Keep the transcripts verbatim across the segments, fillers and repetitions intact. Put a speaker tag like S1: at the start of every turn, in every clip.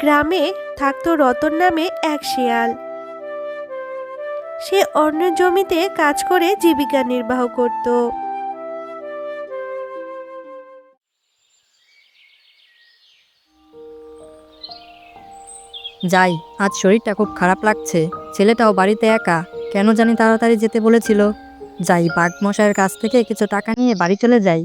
S1: গ্রামে থাকতো রতন নামে এক শেয়াল। সে অন্য জমিতে কাজ করে জীবিকা নির্বাহ করত।
S2: যাই, আজ শরীরটা খুব খারাপ লাগছে। ছেলেটাও বাড়িতে একা, কেন জানি তাড়াতাড়ি যেতে বলেছিল। যাই, বাঘ মশাইয়ের কাছ থেকে কিছু টাকা নিয়ে বাড়ি চলে যাই।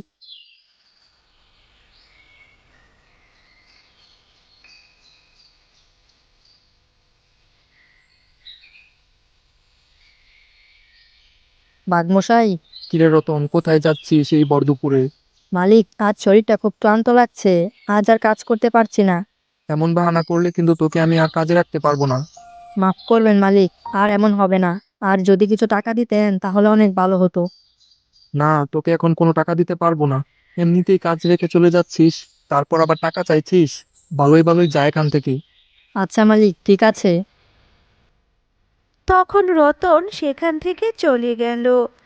S2: বাঘ মশাই।
S3: কিরে রতন, কোথায় যাচ্ছিস এই ভর দুপুরে?
S2: মালিক, আজ শরীরটা খুব ক্লান্ত লাগছে, আজ আর কাজ করতে পারছি না।
S3: এমন বাহানা করলে কিন্তু তোকে আমি আর কাজে রাখতে পারবো না।
S2: মাফ করবেন মালিক, আর এমন হবে না। আর যদি কিছু টাকা দিতেন তাহলে অনেক ভালো হতো।
S3: না, তোকে এখন কোনো টাকা দিতে পারবো না। এমনিতেই কাজ রেখে চলে যাচ্ছিস, তারপর আবার টাকা চাইছিস। ভালোই ভালোই যা এখান থেকে।
S2: আচ্ছা মালিক, ঠিক আছে।
S1: তখন রতন সেখান থেকে চলে গেল।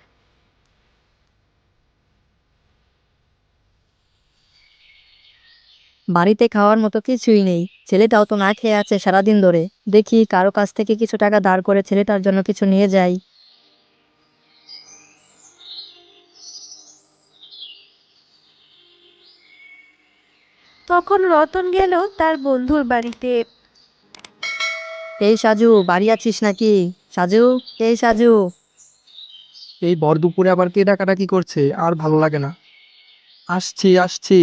S2: বাড়িতে খাওয়ার মতো কিছুই নেই, ছেলেটাও তো না খেয়ে আছে সারাদিন ধরে। দেখি কারো কাছ থেকে কিছু টাকা ধার করে ছেলেটার জন্য কিছু নিয়ে যাই।
S1: তখন রতন গেল তার বন্ধুর বাড়িতে।
S2: এই সাজু, বাড়ি আছিস নাকি? সাজু, এই সাজু।
S3: এই ভর দুপুরে আবার কে ডাকাডাকি করছে, আর ভালো লাগে না। আসছি আসছি।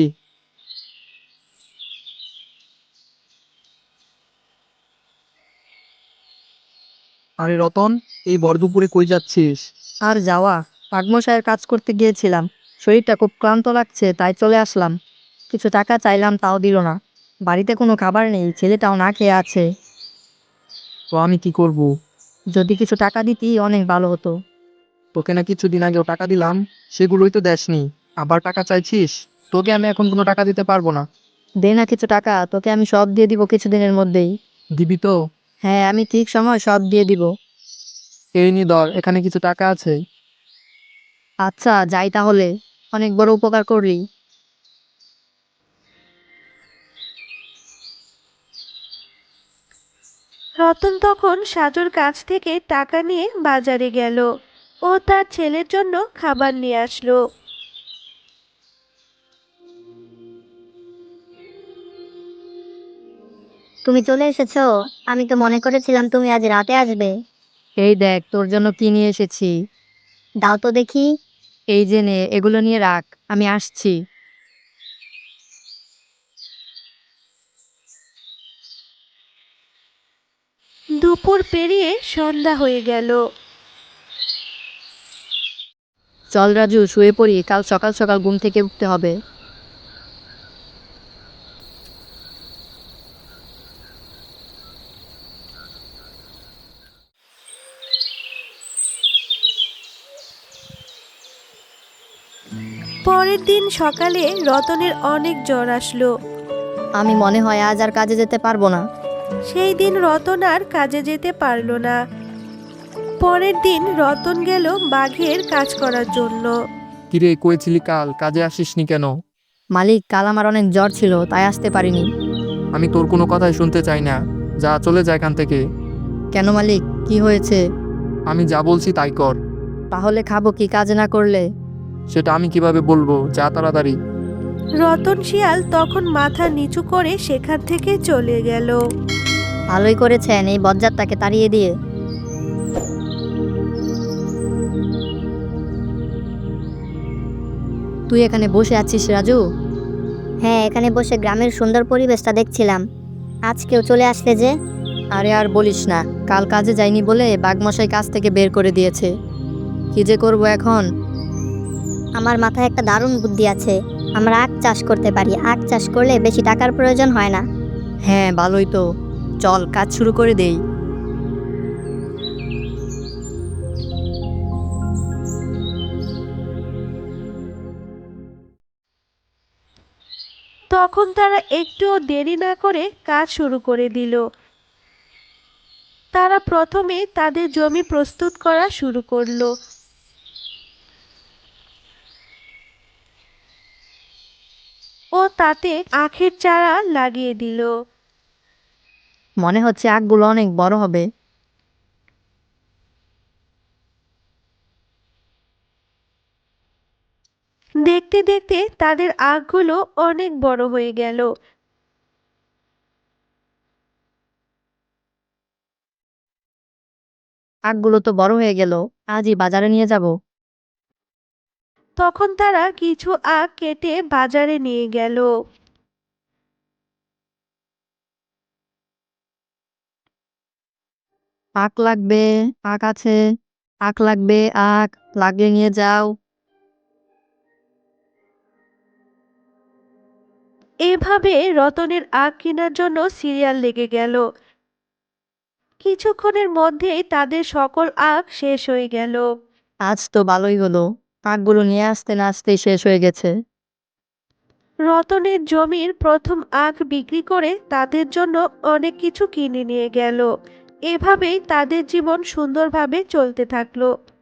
S3: আরে রতন, এই ভর দুপুরে কই যাচ্ছিস?
S2: আর যাওয়া, পাগমশায়ের কাজ করতে গিয়েছিলাম। শরীরটা খুব ক্লান্ত লাগছে, তাই চলে আসলাম। কিছু টাকা চাইলাম, তাও দিল না। বাড়িতে কোনো খাবার নেই, ছেলেটাও না খেয়ে আছে।
S3: তো আমি কি করব?
S2: যদি কিছু টাকা দিতি অনেক ভালো হতো।
S3: তোকে না কিছুদিন আগেও টাকা দিলাম, সেগুলোই তো দেসনি। আবার টাকা চাইছিস? তোকে আমি এখন কোনো টাকা দিতে পারবো না।
S2: দে না কিছু টাকা, তোকে আমি সব দিয়ে দিব কিছুদিনের মধ্যেই।
S3: দিবি তো?
S2: হ্যাঁ, আমি ঠিক সময় সব দিয়ে দিব।
S3: এই নি ধর, এখানে কিছু টাকা আছে।
S2: আচ্ছা, যাই তাহলে। অনেক বড় উপকার করলি।
S1: রতন তখন সাজুর কাছ থেকে টাকা নিয়ে বাজারে গেল ও তার ছেলের জন্য খাবার নিয়ে আসলো।
S4: তুমি চলে এসেছো। আমি তো মনে করেছিলাম তুমি আজ রাতে আসবে।
S2: এই দেখ, তোর জন্য কি নিয়ে এসেছি।
S4: দাও তো দেখি।
S2: এই যে নে, এগুলো নিয়ে রাখ, আমি আসছি।
S1: দুপুর পেরিয়ে সন্ধ্যা হয়ে গেল।
S2: চল রাজু, শুয়ে পড়ি, কাল সকাল সকাল ঘুম থেকে উঠতে হবে।
S1: পরের দিন সকালে রতনের অনেক জ্বর আসলো।
S2: আমি মনে হয় আজ আর কাজে যেতে পারবো না।
S1: সেই দিন রতন আর কাজে যেতে পারল না। পরের দিন রতন গেল বাঘের কাজ করার জন্য।
S3: কিরে, কয়েছিলি কাল কাজে আসিসনি কেন?
S2: মালিক, কাল আমার অনেক জ্বর ছিল, তাই আসতে পারিনি।
S3: আমি তোর কোনো কথাই শুনতে চাই না। যা, চলে যা এখান থেকে।
S2: কেন মালিক, কি হয়েছে?
S3: আমি যা বলছি তাই কর।
S2: তাহলে খাবো কি কাজ না করলে?
S3: সেটা আমি কিভাবে বলবো? যা তাড়াতাড়ি।
S1: রতন শিয়াল তখন মাথা নিচু করে সেখান থেকে চলে গেল।
S2: ভালোই করেছেন এই বজ্জাতটাকে তাড়িয়ে দিয়ে। তুই এখানে বসে আছিস রাজু?
S4: হ্যাঁ, এখানে বসে গ্রামের সুন্দর পরিবেশটা দেখছিলাম। আজ কেউ চলে আসলে যে?
S2: আরে আর বলিস না, কাল কাজে যাইনি বলে বাঘমশাই কাজ থেকে বের করে দিয়েছে। কি যে করবো এখন।
S4: আমার মাথায় একটা দারুণ বুদ্ধি আছে। আমরা আখ চাষ করতে পারি। আখ চাষ করলে বেশি টাকার প্রয়োজন হয় না।
S2: হ্যাঁ, ভালোই তো। চল, কাজ শুরু করে দেই।
S1: তখন তারা একটুও দেরি না করে কাজ শুরু করে দিল। তারা প্রথমে তাদের জমি প্রস্তুত করা শুরু করলো ও তাতে আখের চারা লাগিয়ে দিল।
S2: মনে হচ্ছে আখগুলো অনেক বড় হবে।
S1: দেখতে দেখতে তাদের আখগুলো অনেক বড় হয়ে গেল।
S2: আখগুলো তো বড় হয়ে গেল, আজই বাজারে নিয়ে যাব।
S1: তখন তারা কিছু আখ কেটে বাজারে নিয়ে গেল।
S2: আখ লাগবে, আখ আছে, আখ লাগবে, আখ লাগলে নিয়ে যাও।
S1: এভাবে রতনের আখ কেনার জন্য সিরিয়াল লেগে গেল। কিছুক্ষণের মধ্যেই তাদের সকল আখ শেষ হয়ে গেল।
S2: আজ তো ভালোই হলো, আখগুলো নিয়ে আসতে না আসতেই শেষ হয়ে গেছে।
S1: রতনের জমির প্রথম আখ বিক্রি করে তাদের জন্য অনেক কিছু কিনে নিয়ে গেল। এভাবেই তাদের জীবন সুন্দরভাবে চলতে থাকলো।